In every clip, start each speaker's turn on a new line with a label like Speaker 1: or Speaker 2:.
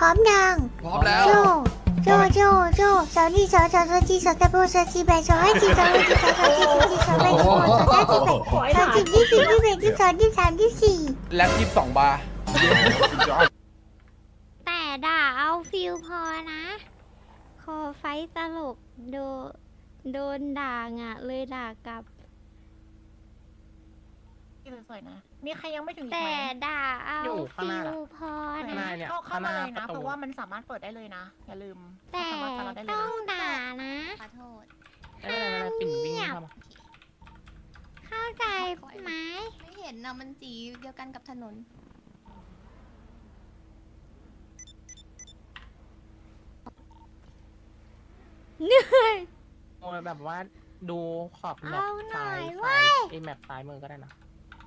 Speaker 1: ร้อมยัง
Speaker 2: พร้อมแล้ว
Speaker 1: โจโจสาวนี่สาวจีสาวตะโบสาวจีแบสาวให้จีสาวให้จีสาวจีสาวจีสาวแบสาวสาวจีแบสาวจีที่4 ที่5 ที่ 6 ที่ 7 ที่ 8 ที่ 9 ที่ 10 ที่ 11 ที่ 12 ที่ 13 ที่ 14
Speaker 2: แล็บ22 บาร์
Speaker 1: แต่ด่าเอาฟิลพอนะคอไฟตลกโดนด่าอ่ะเลยด่ากลับ
Speaker 3: สวยๆนะมีใครยังไม่ถึงอีก
Speaker 1: แต่
Speaker 3: ไหม
Speaker 1: ด่าเอาฟิลพอ
Speaker 3: ข้างห
Speaker 1: นะ
Speaker 3: น้าเนี่ยเข้ามาเลยนะเพราะว่ามันสามารถเปิดได้เลยนะ อย่าลืม
Speaker 1: แต่
Speaker 3: สามารถเราได้เลย
Speaker 1: ต้อง
Speaker 3: นะ
Speaker 1: ด่านะ
Speaker 4: ขอโทษ
Speaker 5: ปิ่นวิ่งเข้ามา
Speaker 1: เข้าใจไหม
Speaker 4: ไม่เห็นนะมันสีเดียวกันกับถนน
Speaker 1: เหนื่อย
Speaker 5: โอ้ยแบบว่าดูขอบแมป
Speaker 1: เอาหน่
Speaker 5: ซ้า
Speaker 1: อย
Speaker 5: ย
Speaker 1: เว้
Speaker 5: ซ้าย
Speaker 1: ย
Speaker 5: ไอแมปซ้ายมือก็ได้นะ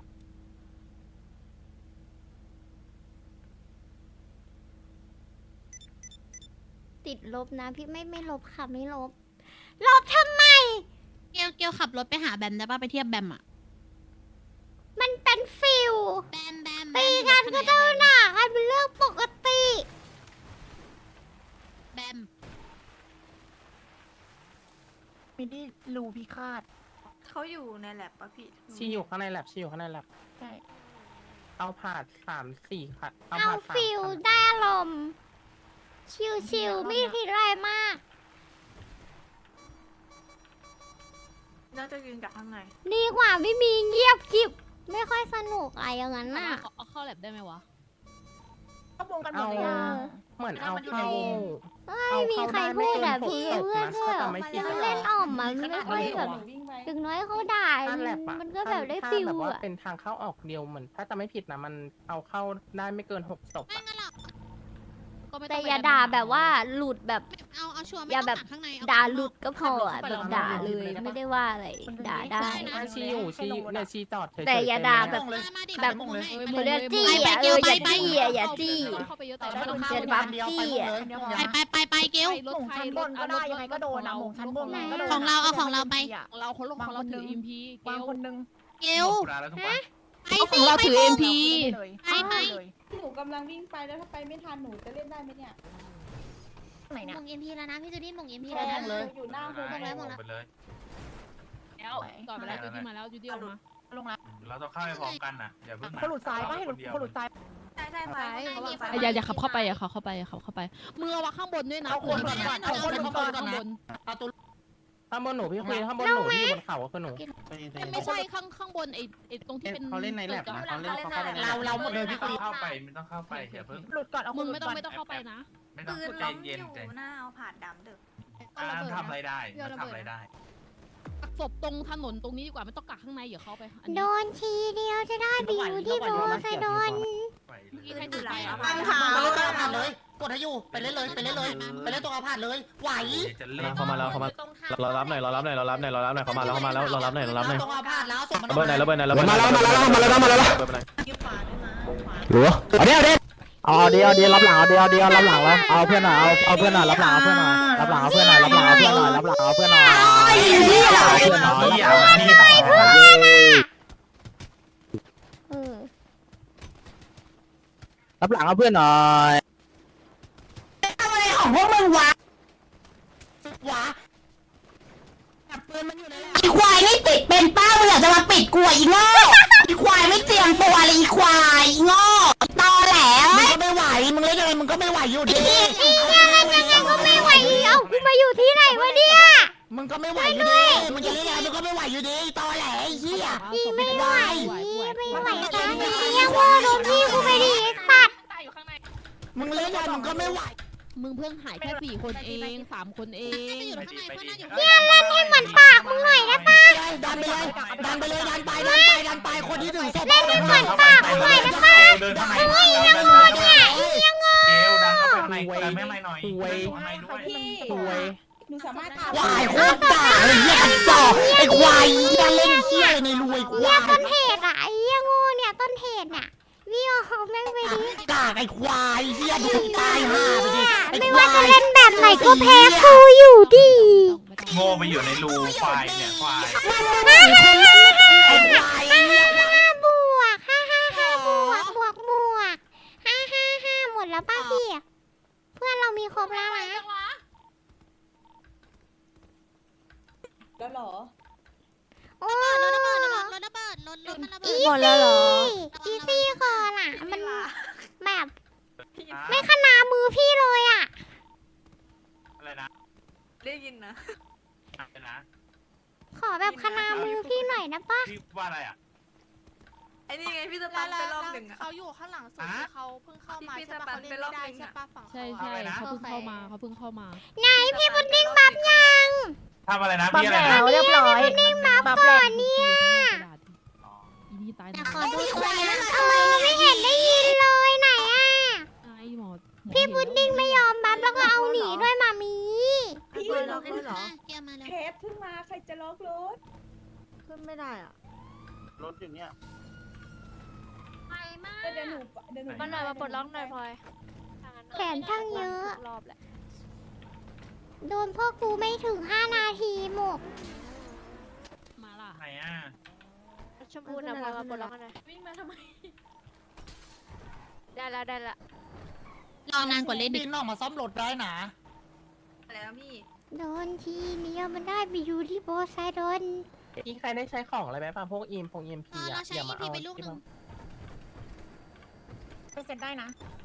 Speaker 1: ติดลบนะพี่ไม่ลบค่ะไม่ลบลบทำไม
Speaker 6: เกลขับรถไปหาแบมได้ป่ะไปเทียบแบมอะ
Speaker 1: มันเป็นฟิล
Speaker 6: แบม
Speaker 1: ตีกันก็ต้องด่ากันเป็นเรื่องปกติ
Speaker 6: แบม
Speaker 3: มิดดี้รูพิฆาต
Speaker 7: เขาอยู่ในแลบปะพี่
Speaker 5: ชีอยู่ข้างในแลบชีอยู่ข้างในแลบ
Speaker 3: ใช่
Speaker 5: เอาผ่าน3-4ค่ะ
Speaker 1: เอา
Speaker 5: ผ่าน3
Speaker 1: ฟิล
Speaker 5: คัน
Speaker 1: ได้ลมณ์ชิวๆไม่คิดอะไรมาก
Speaker 7: น่าจะยืนจากข้างใน
Speaker 1: ดีกว่าไม่มีเงียบกริบไม่ค่อยสนุกอะไรอย่างนั้นน่ะ
Speaker 6: เอาเข้าแลบได้ไหมวะ
Speaker 3: เข้าวงกันหมดเลยยัง
Speaker 5: เหมือนเอา
Speaker 3: มันอยู่ใน
Speaker 5: เข้าว
Speaker 3: ง
Speaker 1: ไม่มีใครพูดอะพี่
Speaker 5: เอา
Speaker 1: เพื่อน
Speaker 5: เข้า
Speaker 1: ก็
Speaker 5: ได้ไม่ผิด
Speaker 1: เล่นอ่อมมันไม่ค่อยแบบถึงน้อยเขาด่า
Speaker 5: ถ้าแลบอะ
Speaker 1: มันก็แบบได้
Speaker 5: ถ้า
Speaker 1: ฟิล
Speaker 5: แบบว่า
Speaker 1: อะ
Speaker 5: เป็นทางเข้าออกเดียวเหมือนถ้าจะไม่ผิดนะมันเอาเข้าได้ไม่เกิน6 ศพ
Speaker 6: ไม่
Speaker 5: อะ
Speaker 6: งั้นหรอกก็ไม่
Speaker 1: แต่
Speaker 6: งไป
Speaker 1: อย่า
Speaker 6: แม
Speaker 1: ด่าแบบว่าหลุดแบบ
Speaker 6: เอาชัวร์ไม่
Speaker 1: อย่า
Speaker 6: ต้อง
Speaker 1: แบบ
Speaker 6: หข้างในเอ
Speaker 1: ด่า
Speaker 6: ข้งนอก
Speaker 1: หลุดก็พออะแบบด่าเลยไม่ได้ว่าอะไรด่าได้
Speaker 5: ถ้าชีอยู่ชีเนี่ยชีจอดเฉยๆ
Speaker 1: แต่อย่าด่า
Speaker 5: เต็ม
Speaker 1: แบบ
Speaker 5: เลย
Speaker 6: มาดิ
Speaker 1: แบบ
Speaker 6: มาดิ
Speaker 1: เขาเรียกจี้
Speaker 6: ไป
Speaker 1: อะ
Speaker 6: เกล
Speaker 1: อย่า
Speaker 6: ไป
Speaker 1: จี้อะอย่าจี้
Speaker 6: เข้าไปเยอะแต่
Speaker 3: แต่
Speaker 6: ไม่
Speaker 3: ถ้า
Speaker 6: ต้อง
Speaker 3: เข้า
Speaker 1: จะบัฟจี้อะ
Speaker 6: ไปเกล
Speaker 3: หม่งชั้นบนก็ได้ยังไงก็โดนนะหม่งชั้นบนก็โดน
Speaker 6: ของเราเอาของเราไป
Speaker 3: ของเราของเราถืออิมพีวางคนนึง
Speaker 6: เกล
Speaker 1: ฮะ
Speaker 6: ไปสิเราถือ MP
Speaker 3: ไปไป
Speaker 7: หนูกำลังวิ่งไปแล้วถ้าไปไม่ทันหนูจะเล่นได้ไหมเนี่ย
Speaker 3: ไหน
Speaker 6: ห
Speaker 3: เนี่ย
Speaker 6: ม่งเอ็มพีแล้วนะพี่จูดี้หม่งเอ็มพี
Speaker 7: แล้
Speaker 6: แล้ว ว
Speaker 7: หนู
Speaker 6: นะ
Speaker 7: อยู่หน้าโฮม
Speaker 6: หมดแล้วหมดแล้ว
Speaker 8: ไปเลย
Speaker 6: แล้วก่อนไปแล้วจูดี้มาแล้วจูดี้ออกมา
Speaker 3: ลงแล้ว
Speaker 8: เราต้องเข้าไปพร้อมกันนะอย่าเพิ่ง
Speaker 3: เขาหลุดซ้ายป่ะให้หลุดเขาหลุดซ้าย
Speaker 7: ใช่ใช่ไฟเขาบอกไฟ
Speaker 6: อย่าขับเข้าไปอย่าขับเข้าไปอย่าขับเข้าไปมือวางข้างบนด้วยนะ
Speaker 3: เอาคนก่อนเอาคนก่อน
Speaker 6: ข้างบน
Speaker 5: ข้างบนหนูพี่คุยข้างบนหนูที่อยู่บนเขาคือหนู
Speaker 6: ไม่ใช่ข้างบนไอ้ตรงที่เป็น
Speaker 9: เขาเล่นในแลบนะเขาเล่นเขาเข้าไปในแลบ
Speaker 5: เราหมดเลยพี่
Speaker 8: ไม่
Speaker 5: คุ
Speaker 8: ต้อย งเข้าไปไม่ต้องเข้าไปอย่าเพิ่ง
Speaker 3: หลุดก่อนเอาค
Speaker 6: มึ
Speaker 3: น
Speaker 6: ง
Speaker 3: หลุ
Speaker 6: ไม่
Speaker 3: ด
Speaker 6: ต้อง
Speaker 3: ก่อน
Speaker 6: ไม่ต้องเข้าไปนะ
Speaker 8: ไม่ต้อง
Speaker 7: ปืน
Speaker 8: ใจ
Speaker 7: ล้มอ
Speaker 8: เย็น
Speaker 7: ยู่
Speaker 8: ใจ
Speaker 7: หน้าเอาผ่านดำเด็ก
Speaker 8: ทำอะไรได้ทำอะไรได้
Speaker 6: ศพตรงถนนตรงนี้ดีกว่าไม่ต้องกักข้างในอย่าเข้าไป
Speaker 1: โดนทีเดียวจะได้ไปอยู่ที่โรไซดอน
Speaker 8: ไปเลย
Speaker 6: ที่ให้ดูแล
Speaker 9: ผ่านผ่านเลยกดให้อยู่ไปเล่นเลยไปเล่นเลยไปเล่นตรงอาผ่านเลยไหว
Speaker 8: จะเล่น
Speaker 9: เข้ามาแล้วเข้ามาเรารับหน่อยเรารับหน่อยเรารับหน่อยเรารับหน่อยเขามาแล้วเขามาแล้วเรารับหน่อยเรารับหน่อยตรงอาผ่านแล้วส่งระเบิดไหนระเบิดไหนระเบิด
Speaker 5: มาแล้วหรือเอาเดี๋ยวรับหลังเอาเดี๋ยวรับหลังแล้วเอาเพื่อนหน่อยเอาเพื่อนหน่อยรับหลังเอาเพื่อนหน่อยรับหลังเอาเพื่อนหน่อยรับหลังเอาเพื่อนหน่อยรับหลังเอาเพื่อนหน่อย รับหลังเอาเพื่อนหน่อย
Speaker 9: ของพวกมึงวะวะปืนมันอยู่ในแลบ
Speaker 4: อีควายไม่ปิดเป็นป้ามึงอยากจะมาปิดกูอีโง่อีควายไม่เตรียมตัวเลยอีควายอีโง่ตอแหล
Speaker 9: มึงก็ไม่ไหวมึงเล่นยังไงมึงก็ไม่ไหวอยู่ดี
Speaker 1: ก็ไม่ไหวเอ้ากูมาอยู่ที่ไหนวะเนี่ย
Speaker 9: มึงก็ไม่ไหวอยู่ดีมึงจะเล่นยังไงมึงก็ไม่ไหวอยู่ดีตอแหลไอ้เหี้ย
Speaker 1: ไม่ไหวไม่ไหวกันยังว่าโดนพี่กูไปดิสัตว์
Speaker 9: มึงเล่นยังไงมึงก็ไม่ไหว
Speaker 6: มึงเพิ่งหายแค่4 คนเอง3 คนเอง
Speaker 1: เนี่ยเล่นให้เหมือนปากมึงหน่อยนะป้า
Speaker 9: ดันไปเลยดันไปเลยดันไปดันไปคนที่ถึงศพ
Speaker 1: เล่นให้เหมือนปากมึงหน่อยนะป้า
Speaker 8: เดินข้างใน
Speaker 1: เฮ้ยยังงอเนี่ยยังงอ
Speaker 8: เกลดันเข้าไปข้างในดันไม่ไม่หน่อยข้างในด้วย
Speaker 5: ถวย
Speaker 7: หนูสามารถ
Speaker 9: ควายโคตรด่าไอ้เหี้ยจอกไอ้ควายเหี้ยเล่นเหี้ยในรวยควา
Speaker 1: เนี่ย
Speaker 9: ย
Speaker 1: ต้นเหตุอ่ะไอ้ยังงอเนี่ยต้นเหตุเนี่ยวิโอแม่งไปดิ
Speaker 9: กากไอ้ควายเหี้ยดูตายห่าไปดิไอ้
Speaker 1: ไม่
Speaker 9: ควา
Speaker 1: ว่าจะ
Speaker 9: ย
Speaker 1: เล่นแบบไหนก็แพ้กูอยู่ดี
Speaker 8: โง่ไปอยู่ในรูควายเนี่ยควาย
Speaker 9: ไอ้ควายเหี้ย
Speaker 1: บวก555บวก555หมดแล้วป้าพี่เพื่อนเรามีครบแล้วนะ
Speaker 7: แล้วเหรอ
Speaker 1: โอ้
Speaker 6: รถระเบิดรถมันระเบิด
Speaker 1: อีซี่ก่อนอ่ะมันแบบไม่ขนามือพี่เลยอ่ะ
Speaker 8: อะไรนะ
Speaker 3: ได้ยินนะ
Speaker 8: อะไรนะ
Speaker 1: ขอแบบขนามือพี่หน่อยนะป้า
Speaker 8: พี่ว่าอะไรอ่ะ
Speaker 3: ไอ้นี่ไงพี่สปันไปรอบหนึ่งอะ
Speaker 2: เขาอยู่ข้างหลังสุด
Speaker 8: ฮะ
Speaker 2: เขาเพิ่งเข้ามา
Speaker 3: ที่
Speaker 2: ใช่ปะ
Speaker 3: พี่
Speaker 2: เขาเล่น
Speaker 3: ไปรอบ
Speaker 2: ไม่ได้
Speaker 3: นึง
Speaker 2: ใช่
Speaker 3: อะ
Speaker 2: ปะฝั่ง
Speaker 6: ใช่
Speaker 2: เขา
Speaker 6: ใช่
Speaker 8: อะไรนะ
Speaker 6: เขาเพิ่งเข้ามาเขาเพิ่งเข้ามา
Speaker 1: ไหนพี่พุดดิ้งบับยัง
Speaker 8: ทำอะไรนะพี่อะไรนะ
Speaker 3: เรียบร้อย
Speaker 1: บับก่อนเนี่ย
Speaker 8: อ๋อ
Speaker 6: อีนี่ตาย
Speaker 4: แต่
Speaker 6: นะ
Speaker 4: ขอดูตัวนะ
Speaker 1: ไม่เห็นได้ยินเลยไหนอ่ะ
Speaker 6: ไอ้หมอ
Speaker 1: พี่พุดดิ้งไม่ยอมบับแล้วก็เอาหนีด้วยมามี
Speaker 7: พี่
Speaker 3: ล็อกเลยเหรอ
Speaker 6: เกียร์มาแล้ว
Speaker 7: เทปเพิ่งมาใครจะล็อกรถ
Speaker 3: ขึ้นไม่ได้อ่ะ
Speaker 5: รถอยู่เนี่ย
Speaker 7: เดี๋ยวหนู
Speaker 2: มันหน่อยมาปลดล็อกหน่อยพลอย
Speaker 1: แขนทั้งเยอะ
Speaker 2: รอบแหละ
Speaker 1: โดนพ่อกูไม่ถึง5 นาทีหมด
Speaker 6: มาล่ะ
Speaker 8: ไหนอ่ะ
Speaker 2: ชมพูนะพลอยมาปลดล็อกหน่อย
Speaker 7: วิ่งมาทำไม
Speaker 2: ได้แล้วได้แล้ว
Speaker 6: รอนานกว่าเล่น
Speaker 5: บิ
Speaker 6: ดิ
Speaker 5: นออกมาซ่อมรถได้นะ
Speaker 3: แล้วพี่
Speaker 1: โดนทีเดียวมันได้ไปอยู่ที่โบไซดอน
Speaker 3: พี่ใครได้ใช้ของอะไรไหมป่ะพวกอีมพี
Speaker 6: เราใช้ EP ไปลูกนึง
Speaker 3: ไปเซ็นได้นะ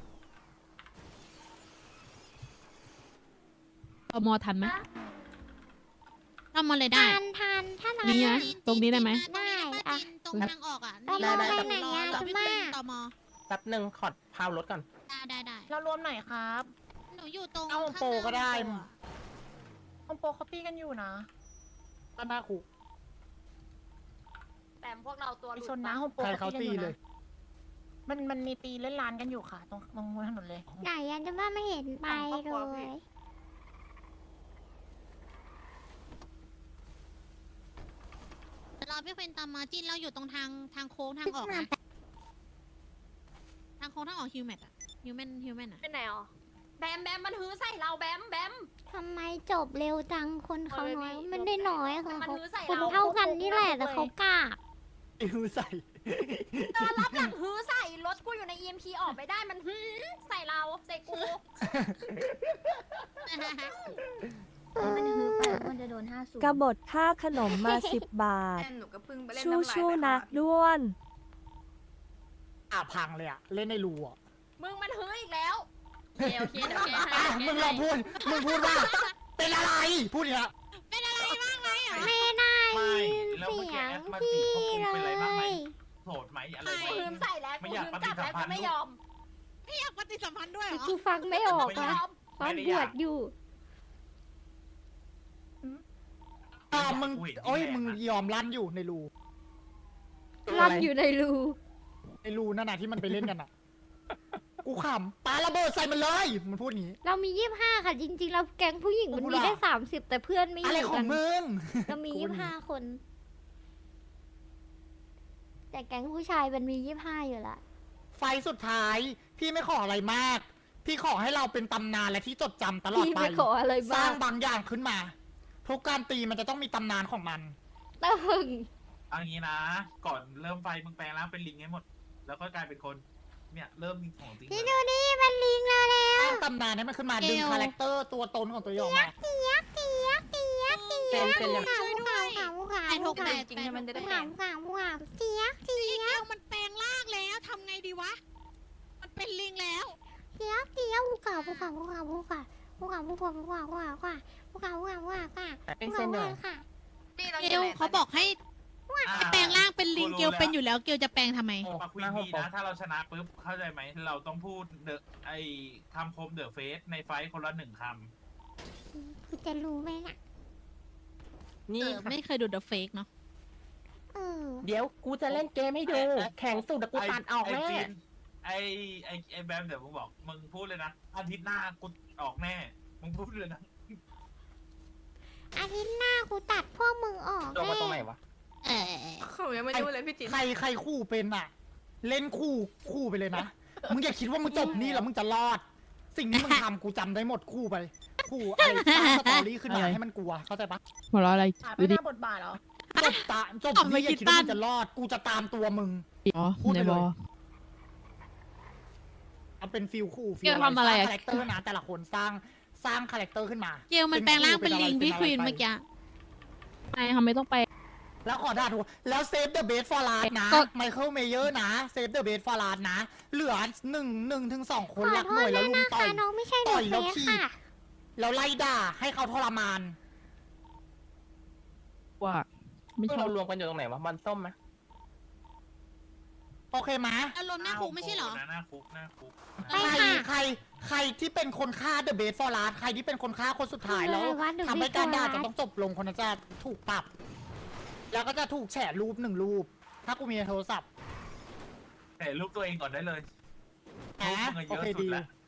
Speaker 6: เอามอทันไหมทำมาเลยได้
Speaker 1: ทานถ้าไหน
Speaker 6: นี่นะตรงนี้ได้ไหม
Speaker 1: ได้อะ
Speaker 6: ตรงทางออกอ่ะ
Speaker 1: เราไปไหนอะ
Speaker 6: เรา
Speaker 1: จุ
Speaker 6: ไม่
Speaker 1: ม่า
Speaker 6: เป็นตม
Speaker 3: แป๊บหนึ่งขอดพาวรถก่อน
Speaker 6: ได้
Speaker 3: เรารวมไหนครับ
Speaker 6: หนูอยู่ตรง
Speaker 5: เอาโปรก็ได้
Speaker 3: คอมโปเขาปี้กันอยู่นะ
Speaker 5: ก็น่าคุก
Speaker 2: แต่พวกเราตัว
Speaker 3: ไปชนนะคอมโป
Speaker 5: ใครเขาตีเลย
Speaker 3: มันมีตีเล่นร้านกันอยู่ค่ะ ตรงถนนเลย
Speaker 1: ไหนอะจุม่าไม่เห็นไปเลย
Speaker 6: รอพี่เป็นตามมาจิ้นเราอยู่ตรงทางโค้งทางออกนะทางโค้งทางออกฮิวแมนอะฮิวแมนอะ
Speaker 2: เป็นไหนอ๋อแบมมันหื้อใส่เราแบม
Speaker 1: ทำไมจบเร็วจังคนเขาน้อยมันได้น้อยค่ะ
Speaker 2: มัน
Speaker 1: เขา
Speaker 2: หื้อใส่
Speaker 1: คน
Speaker 2: เรา
Speaker 1: เท่ากันนี่แหละแต่เขากล้า
Speaker 5: อิวใส่
Speaker 2: รับหลังหื้อใส่รถกูอยู่ใน EMP ออกไปได้มันหื้อใส่เราใส่กู
Speaker 1: มันฮือไปมันจะโดน50
Speaker 10: กบฏค่าขนมมา 10 บาท
Speaker 3: หนูก็เพิ่งไปเล่น
Speaker 10: ชู้ๆนะด้วน
Speaker 5: พังเลยอะเล่นในรูอะ
Speaker 2: มึงมันหื้ออีกแล้ว
Speaker 6: โอเคเดี๋ยวแกให้
Speaker 5: มึงลองพูดว่า เป็นอะไร พูดอย่างเงี้ย
Speaker 6: เป็นอะไรบ้างไหมอ่ะ
Speaker 1: ไม่ได้
Speaker 8: ไม่
Speaker 1: ยิน
Speaker 8: แล้ว
Speaker 1: เสี
Speaker 8: เมื่อกี้
Speaker 1: ยง
Speaker 8: แอดมา
Speaker 1: พี่
Speaker 8: จีบเขาคง
Speaker 1: เล
Speaker 8: เป็นอะไรบ้างไหม
Speaker 1: ย
Speaker 8: โสดไหมอะไรไหม
Speaker 2: กูหื้อใส่แล้ว
Speaker 8: ไม่
Speaker 2: กู
Speaker 8: อยาก
Speaker 2: หื้อกลับแล้ว
Speaker 8: ปฏิสัมพันธ์
Speaker 2: กูไม่ยอม
Speaker 6: ไม่อยากปฏิสัมพันธ์ด้วยเหรอ
Speaker 1: กูฟังไม่ออก
Speaker 2: ไม่ย
Speaker 1: อะ
Speaker 2: อม
Speaker 1: ตอนบวชอยู่
Speaker 5: มึง โอ้ย มึงยอมลั่นอยู่ในรู
Speaker 1: รันอยู่ในรู
Speaker 5: ในรูนั่นน่ะที่มันไปเล่นกันอ่ะ กูขำปาระเบิดใส่มันเลย มันพูดอย่างนี้
Speaker 1: เรามี25ค่ะจริงๆเราแก๊งผู้หญิงมันมีได้30แต่เพื่อนไม่อ
Speaker 5: อะไร
Speaker 1: ยู่
Speaker 5: ขอ
Speaker 1: กั
Speaker 5: ง
Speaker 1: น
Speaker 5: มึง
Speaker 1: เรามี25 คน แต่แก๊งผู้ชายมันมี25อยู่ละ
Speaker 5: ไฟสุดท้าย พี่ไม่ขออะไรมาก พี่ขอให้เราเป็นตำนานและที่จดจำตลอด
Speaker 1: พี่
Speaker 5: ไป
Speaker 1: ไม่ขออะไร
Speaker 5: สร้า
Speaker 1: บ้าง ง
Speaker 5: บางอย่างขึ้นมา ทุกการตีมันจะต้องมีตำนานของมัน
Speaker 1: ตึง
Speaker 8: เอางี้นะ ก่อนเริ่มไฟมึงแปลงร่างเป็นลิงให้หมด แล้วก็กลายเป็นคน เนี่ยเริ่มมีของจริง
Speaker 1: พี่
Speaker 8: เล
Speaker 1: ดู
Speaker 8: ย
Speaker 1: ดิมันลิงเราแล้ว
Speaker 5: สร้างตำนานให้มันขึ้นมาดึงคาแรคเตอร์ตัวตนของตัวเองออกมา
Speaker 1: เจี๊ยบเจี๊ยบเจี๊ยบเจี๊ยบ
Speaker 3: เซ็นยัง
Speaker 1: ขาวขาวขาวขาว
Speaker 6: ไอ้ทกแตก
Speaker 3: จริงๆมันจะได้
Speaker 1: ขาวขาวขาวเจี๊ยบเจี๊
Speaker 6: อี
Speaker 1: ยบ
Speaker 6: เกียวมันแปลงร่างแล้วทำไงดีวะ มันเป็นลิงแล้ว
Speaker 1: เจี๊ยบเจี๊ยบภูเขาภูเขาภูเขาภูเขาภูเขาภูเขาภูเขาภูเขาภูเขาภูเขาภูเขาภูเขาค่ะ
Speaker 3: เป็นเส้นเดียว
Speaker 1: ค่ะ
Speaker 6: เกลเขาบอกให้
Speaker 8: อ่า
Speaker 6: แปลงร่างเป็นลิง
Speaker 8: กูรู้
Speaker 6: เกลเป็น
Speaker 8: แล้ว
Speaker 6: อยู่แล้วเกลจะแปลงทำไม
Speaker 8: มาคุยดีนะ ถ้าเราชนะปุ๊บ เข้าใจไหม เราต้องพูดไอ้คำคมเดอะเฟสในไฟท์คนละ1 คำ
Speaker 1: คุณจะรู้ไหมน่ะ
Speaker 3: นี่
Speaker 6: ไม่เคยดู The Fake เนาะ
Speaker 1: เออ
Speaker 3: เดี๋ยวกูจะเล่นเกมให้ดู แข่งสุดกูตัดออกแน่
Speaker 8: จินไอ้แบมเดี๋ยวมึงบอก มึงพูดเลยนะ อาทิตย์หน้ากูออกแน่ มึงพูดเลยนะ
Speaker 1: อาทิตย์หน้ากูตัดพวกมึงออก
Speaker 3: ลงมาตรงไหนวะ
Speaker 6: เออ
Speaker 3: เขายังไม่รู้เลยพี่จิน
Speaker 5: ใครคู่เป็นอ่ะ เล่นคู่ไปเลยนะ มึงอย่าคิดว่ามึงจบนี่แล้วมึงจะรอด สิ่งที่มึงทำกูจำได้หมดคู่ไป คู่อะไรสร้างสตอรี่ขึ้นมาให้มันกลัว เข้าใจปะ
Speaker 6: หัวเราะอะไร
Speaker 3: ไป
Speaker 6: ดู
Speaker 3: ห
Speaker 6: ดิ
Speaker 3: น้าบทบาทเหรอ
Speaker 5: จบนี่อย่าคิดว่ามึงจะรอด กูจะตามตัวมึง
Speaker 6: อ๋อ
Speaker 5: พูด
Speaker 6: ใน
Speaker 5: ไปเลย
Speaker 6: บอ
Speaker 5: เอาเป็นฟิลขู่ฟิ
Speaker 6: เกลทำอะไรอะ
Speaker 5: คาแรคเตอร์นะแต่ละคนสร้างคาแรคเตอร์ขึ้นมา
Speaker 6: เกลมันแปลงร่างเป็นลิงพี่ควีนเมื่อกี้ไอ้ทำไมต้องไป
Speaker 5: แล้วขอด่าถูกแล้วเซฟเดอะเบสฟอร์ลานะ
Speaker 6: ก็
Speaker 5: ไมเคิลเมเยอร์นะเซฟเดอะเบสฟอร์ลานะเหลือ1 ถึง 2 ค
Speaker 1: ข
Speaker 5: น
Speaker 1: อ
Speaker 5: รัก
Speaker 1: โท
Speaker 5: หน่
Speaker 1: ษ
Speaker 5: วย
Speaker 1: ด้
Speaker 5: แล้ว
Speaker 1: วย
Speaker 5: ลุม
Speaker 1: นะ
Speaker 5: ต่อ
Speaker 1: คะ
Speaker 5: ย
Speaker 1: น้องไม่ใช่เด
Speaker 5: ต่
Speaker 1: อะ
Speaker 5: อย
Speaker 1: เฟ
Speaker 5: แล้ว
Speaker 1: ส
Speaker 5: ถีบ
Speaker 1: ค่ะ
Speaker 5: แล้วไล่ด่าให้เขาทรมาน
Speaker 6: ว่าไม่ช
Speaker 9: เรา
Speaker 6: อบ
Speaker 9: รวมกันอยู่ตรงไหนวะมันส้มไหม
Speaker 5: โอเคไหม
Speaker 6: อารมณ์หน้าคุกไม่ใช่เหรอ
Speaker 8: หน้าคุกหน้าคุก
Speaker 1: ไปค่ะ
Speaker 5: ใครที่เป็นคนฆ่าเดอะเบสฟอร์ลาใครที่เป็นคนฆ่าคนสุดท้ายแล้ว
Speaker 1: อะไรวะ The
Speaker 5: ทำให้การด่า
Speaker 1: Best
Speaker 5: จะต้องจบลงคนนั้นจะถูกปรับ แล้วก็จะถูกแฉรูป1 รูป ถ้ากูมีในโทรศัพท์
Speaker 8: แต่รูปตัวเองก่อนได้เลย
Speaker 5: แหม
Speaker 8: รูปมึงอะเย
Speaker 5: โอ
Speaker 8: อะ
Speaker 5: เค
Speaker 8: สุด
Speaker 5: ดี
Speaker 8: แล้ว